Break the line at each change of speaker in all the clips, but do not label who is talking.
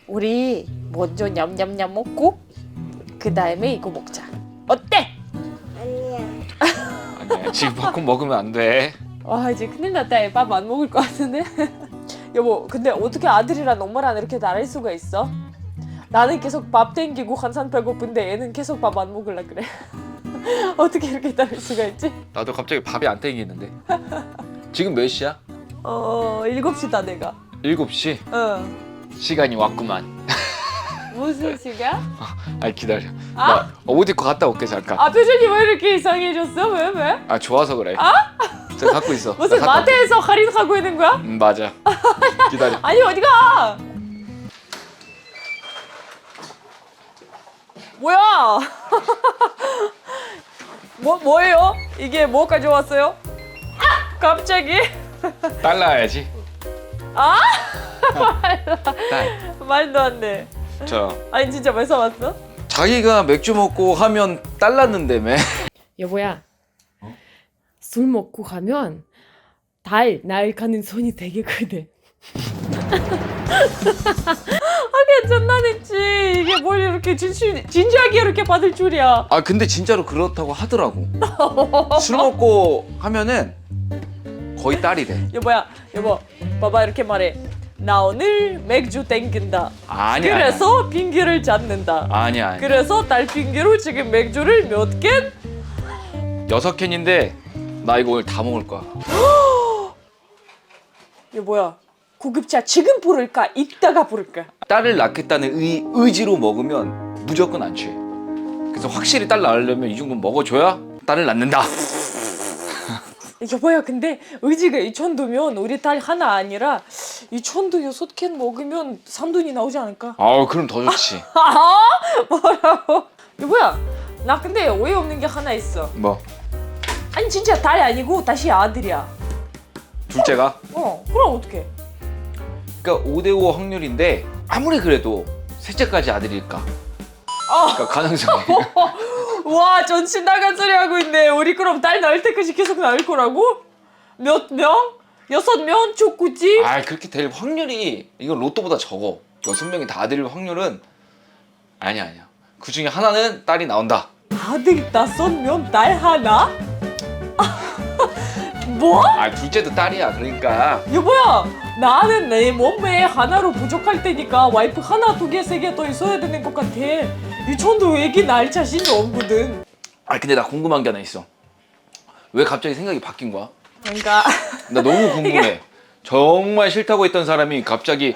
우리 먼저 냠냠냠 먹고 그 다음에 이거 먹자. 어때?
아니야 지금 팝콘 먹으면 안 돼.
와 이제 큰일 났다. 밥 안 먹을 것 같은데. 여보 근데 어떻게 아들이랑 엄마랑 이렇게 다를 수가 있어? 나는 계속 밥 땡기고 한산 배고픈데 얘는 계속 밥 안 먹으려 그래. 어떻게 이렇게 다를 수가 있지?
나도 갑자기 밥이 안 땡기는데. 지금 몇 시야?
7시다 내가.
7시? 시간이 왔구만.
무슨 시간?
아니 기다려. 나 옷 입고 갔다 올게 잠깐.
표정이 왜 이렇게 이상해졌어? 왜?
아 좋아서 그래. 저 갖고 있어.
무슨
나 갔다 올게.
마트에서 할인하고 있는 거야?
맞아. 기다려.
아니 어디가? 뭐야? 뭐예요? 이게 뭐 가져왔어요? 갑자기?
달라야지. 딸.
말도 안 돼. 아니 진짜 왜 사왔어?
자기가 맥주 먹고 하면 달랐는데매.
여보야, 술 먹고 가면 날 가는 손이 되게 크대. 하긴 장난했지. 이게 뭘 이렇게 진지하게 이렇게 받을 줄이야.
아 근데 진짜로 그렇다고 하더라고. 술 먹고 하면은 거의 딸이래.
여보, 봐봐 이렇게 말해. 나 오늘 맥주 땡긴다.
아니야.
그래서 핑계를 잡는다.
아니야.
그래서 딸 핑계로 지금 맥주를 몇 캔?
6캔인데 나 이거 오늘 다 먹을 거야.
여보야, 구급차 지금 부를까? 이따가 부를까?
딸을 낳겠다는 의지로 먹으면 무조건 안 취해. 그래서 확실히 딸 낳으려면 이 정도는 먹어줘야 딸을 낳는다.
여보야, 근데 의지가 이 정도면 우리 딸 하나 아니라 이 정도 6캔 먹으면 산돈이 나오지 않을까?
아우 그럼 더 좋지.
뭐라고? 여보야, 나 근데 오해 없는 게 하나 있어.
뭐?
아니 진짜 딸이 아니고 다시 아들이야.
둘째가?
그럼 어떡해?
그러니까 5대5 확률인데 아무리 그래도 셋째까지 아들일까? 그러니까 가능성이.
와, 전신 나간 소리 하고 있네. 우리 그럼 딸 낳을 때까지 계속 낳을 거라고? 몇 명? 6명? 족구지?
아 그렇게 될 확률이 이건 로또보다 적어. 6명이 다 아들일 확률은 아니야. 그 중에 하나는 딸이 나온다.
아들 5명, 딸 하나? 뭐?
아 둘째도 딸이야. 그러니까
여보야, 나는 내 몸에 하나로 부족할 테니까 와이프 하나, 2개, 3개 더 있어야 되는 것 같아. 이 정도 애기 낳을 자신이 없거든.
아 근데 나 궁금한 게 하나 있어. 왜 갑자기 생각이 바뀐 거야?
그러니까
나 너무 궁금해. 정말 싫다고 했던 사람이 갑자기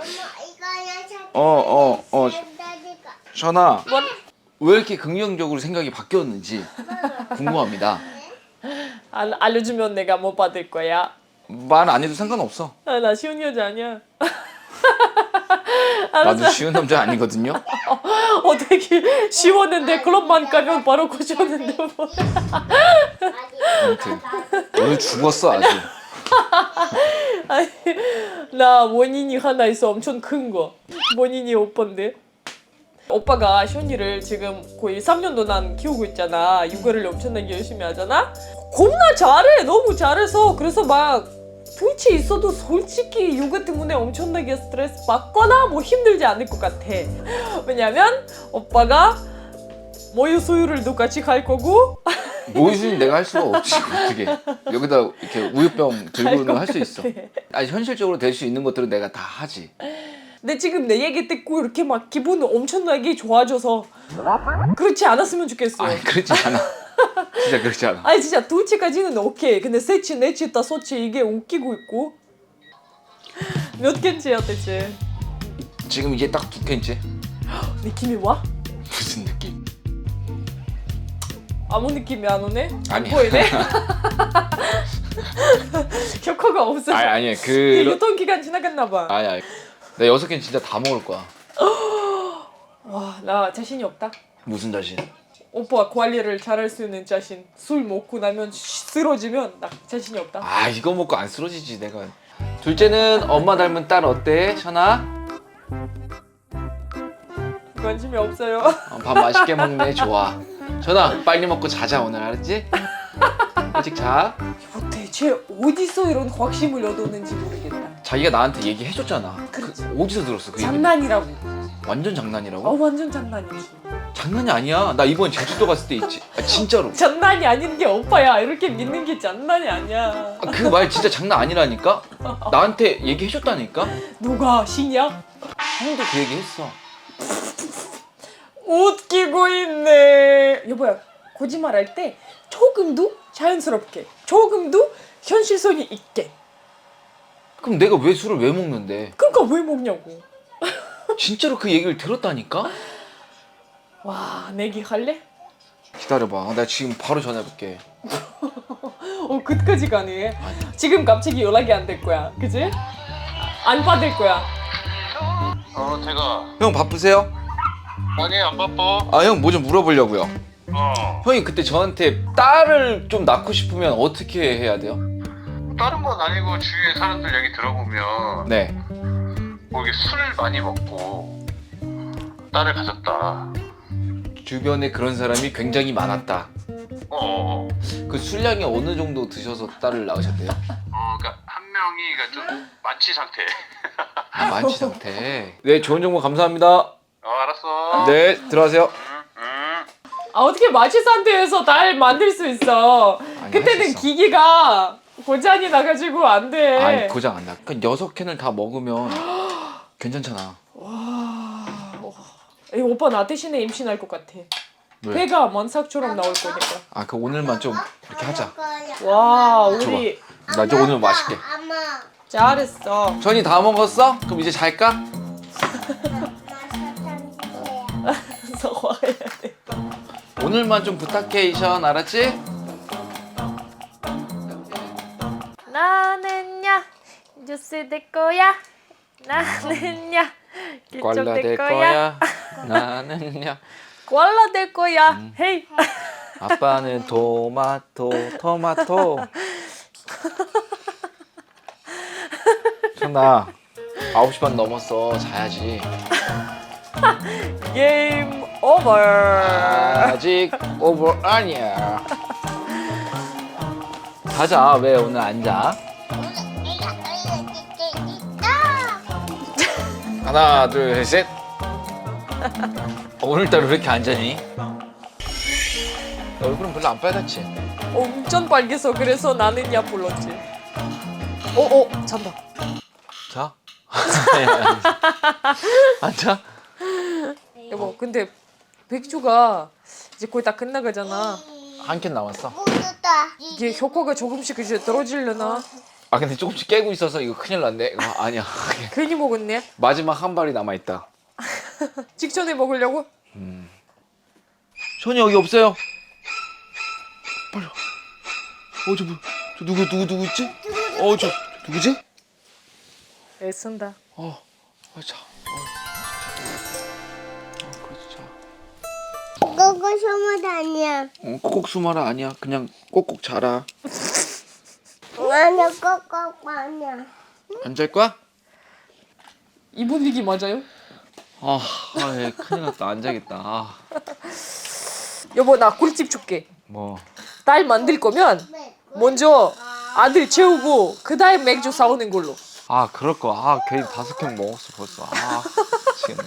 션아
뭐?
왜 이렇게 긍정적으로 생각이 바뀌었는지 궁금합니다.
알려주면 내가 못 받을 거야.
말 안 해도 상관없어.
나 쉬운 여자 아니야.
나도 쉬운 남자 아니거든요.
되게 쉬웠는데 클럽만 가면 바로 고쳤는데 뭐.
아무튼 오늘 죽었어 아주.
아니, 나 원인이 하나 있어. 엄청 큰 거. 원인이 오빠인데. 오빠가 션이를 지금 거의 3년도 난 키우고 있잖아. 육아를 엄청나게 열심히 하잖아. 겁나 잘해. 너무 잘해서. 그래서 막 둘째 있어도 솔직히 육아 때문에 엄청나게 스트레스 받거나 뭐 힘들지 않을 것 같아. 왜냐면 오빠가 모유 수유를 똑같이 갈 거고
모유수는 내가 할 수가 없지. 어떻게 여기다 이렇게 우유병 들고는 할 수 있어.
같아.
아니 현실적으로 될 수 있는 것들은 내가 다 하지.
근데 지금 내 얘기 듣고 이렇게 막 기분 엄청나게 좋아져서 그렇지 않았으면 좋겠어.
아니 그렇지 않아. 진짜 그렇지 않아.
아니 진짜 둘째까지는 오케이. 근데 셋째, 넷째, 다섯째 이게 웃기고 있고. 몇 캔째야 대체?
지금 이게 딱 2캔째.
느낌이 와?
무슨 느낌?
아무 느낌이 안 오네? 안
아니야.
보이네? 효과가 없어.
아니야.
유통기간 지나갔나 봐.
아니야. 나 6캔 진짜 다 먹을 거야.
와, 나 자신이 없다.
무슨 자신?
오빠 관리를 잘할 수 있는 자신. 술 먹고 나면 쓰러지면 나 자신이 없다.
아 이거 먹고 안 쓰러지지 내가. 둘째는 엄마 닮은 딸 어때? 션아?
관심이 없어요.
밥 맛있게 먹네. 좋아. 션아 빨리 먹고 자자 오늘 알았지? 일찍 자.
대체 어디서 이런 확신을 얻었는지 모르겠다.
자기가 나한테 얘기해줬잖아.
그렇지.
어디서 들었어 그 얘기?
장난이라고.
완전 장난이라고?
완전 장난이지.
장난이 아니야. 나 이번 제주도 갔을 때 있지. 아, 진짜로.
장난이 아닌 게 오빠야. 이렇게 믿는 게 장난이 아니야.
그 말 진짜 장난 아니라니까? 나한테 얘기해줬다니까?
누가 신이야?
형도 그 얘기 했어.
웃기고 있네. 여보야, 거짓말할 때 조금도 자연스럽게, 조금도 현실성이 있게.
그럼 내가 왜 술을 왜 먹는데?
그러니까 왜 먹냐고.
진짜로 그 얘기를 들었다니까?
와, 내기 할래?
기다려봐. 나 지금 바로 전화해볼게.
그때까지 가네. 지금 갑자기 연락이 안 될 거야, 그지? 안 받을 거야.
제가
형 바쁘세요?
아니 안 바빠.
아, 형 뭐 좀 물어보려고요.
어
형이 그때 저한테 딸을 좀 낳고 싶으면 어떻게 해야 돼요?
다른 건 아니고 주위에 사람들 얘기 들어보면
네.
뭐 이게 술을 많이 먹고 딸을 가졌다.
주변에 그런 사람이 굉장히 많았다. 그 술량이 어느 정도 드셔서 딸을 낳으셨대요?
그러니까 한 명이 그러니까 좀 만취 상태.
아, 만취 상태. 네, 좋은 정보 감사합니다.
알았어.
네, 들어가세요.
어떻게 마취 상태에서 날 만들 수 있어?
아니, 할
그때는
수 있어.
기기가 고장이 나가지고 안 돼.
아니, 고장 안 나. 그러니까 6캔을 다 먹으면 괜찮잖아.
에이, 오빠 나 대신에 임신할 것 같아.
왜?
배가 만삭처럼 나올 거니까.
아, 그 오늘만 좀 이렇게 하자.
와, 우리
나 이제 오늘 맛있게.
잘했어.
전이 다 먹었어? 그럼 이제 잘까?
그래서 와야 돼.
오늘만 좀 부탁해, 이션. 알았지?
나는야 주스 될 거야. 나는야
꼴라
기적
될
될 거야.
거야. 나는요.
꼴라 될 거야. 헤이.
아빠는 토마토. 천나 9시 반 넘었어. 자야지.
게임 오버.
아직 오버 아니야. 가자. 왜 오늘 안 자? 하나, 둘, 셋. 오늘따라 왜 이렇게 안 자니? 얼굴은 별로 안 빨갛지?
엄청 빨개서 그래서 나는야 불렀지. 잔다.
자? 안 자?
여보, 근데 백주가 이제 거의 다 끝나가잖아.
한 캔 남았어.
이게 효과가 조금씩 이제 떨어지려나?
아 근데 조금씩 깨고 있어서 이거 큰일 났네. 이거 아니야.
괜히 먹었네.
마지막 한 발이 남아있다.
직전에 먹으려고?
손이 여기 없어요. 빨리 와. 저 누구 있지? 저 누구지?
애쓴다.
자. 그렇지, 자.
그거 소문 아니야.
꼭꼭 수마라 아니야. 그냥 꼭꼭 자라.
나는 꼭꼭 아니야.
안 잘 거야?
이 분위기 맞아요?
큰일 났다. 안 자겠다.
여보, 나 꿀팁 줄게.
뭐.
딸 만들 거면 먼저 아들 채우고 그 다음 맥주 사오는 걸로.
그럴 거. 괜히 5캔 먹었어 벌써. 미치겠네.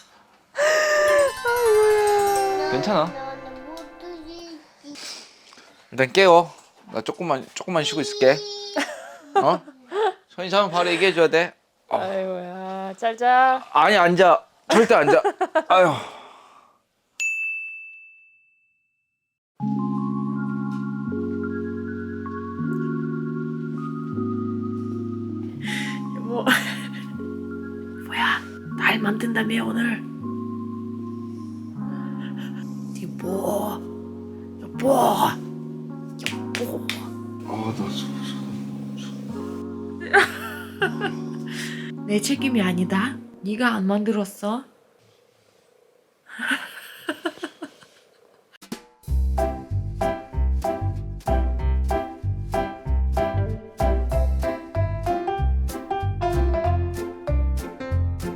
괜찮아. 일단 깨워. 나 조금만 쉬고 있을게. 손이 자면 바로 얘기해줘야 돼.
아이고야, 짤짤.
아니 앉아. 절대 앉아. 아유.
여보, 뭐야? 날 만든다며 오늘? 여보, 여보. 내 책임이 아니다. 네가 안 만들었어.